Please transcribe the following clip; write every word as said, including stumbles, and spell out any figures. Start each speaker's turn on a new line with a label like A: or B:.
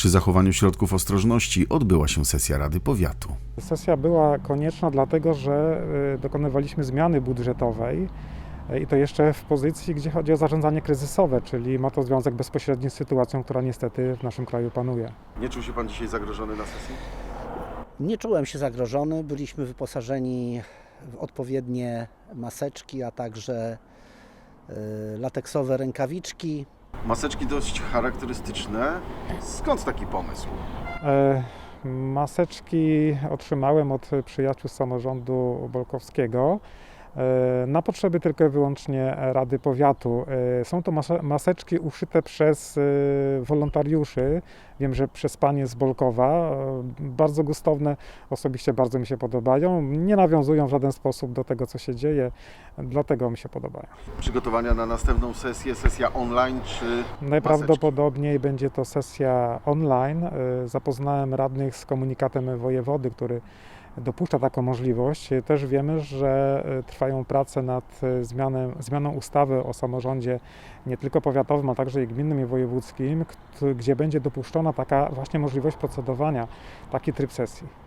A: Przy zachowaniu środków ostrożności odbyła się sesja Rady Powiatu.
B: Sesja była konieczna dlatego, że dokonywaliśmy zmiany budżetowej i to jeszcze w pozycji, gdzie chodzi o zarządzanie kryzysowe, czyli ma to związek bezpośredni z sytuacją, która niestety w naszym kraju panuje.
A: Nie czuł się Pan dzisiaj zagrożony na sesji?
C: Nie czułem się zagrożony. Byliśmy wyposażeni w odpowiednie maseczki, a także lateksowe rękawiczki.
A: Maseczki dość charakterystyczne. Skąd taki pomysł?
B: E, maseczki otrzymałem od przyjaciół z samorządu bolkowskiego na potrzeby tylko i wyłącznie Rady Powiatu. Są to maseczki uszyte przez wolontariuszy. Wiem, że przez panie z Bolkowa. Bardzo gustowne, osobiście bardzo mi się podobają. Nie nawiązują w żaden sposób do tego, co się dzieje, dlatego mi się podobają.
A: Przygotowania na następną sesję, sesja online czy
B: Najprawdopodobniej maseczki? Będzie to sesja online. Zapoznałem radnych z komunikatem wojewody, który dopuszcza taką możliwość. Też wiemy, że trwają prace nad zmianą, zmianą ustawy o samorządzie nie tylko powiatowym, a także i gminnym i wojewódzkim, gdzie będzie dopuszczona taka właśnie możliwość procedowania, taki tryb sesji.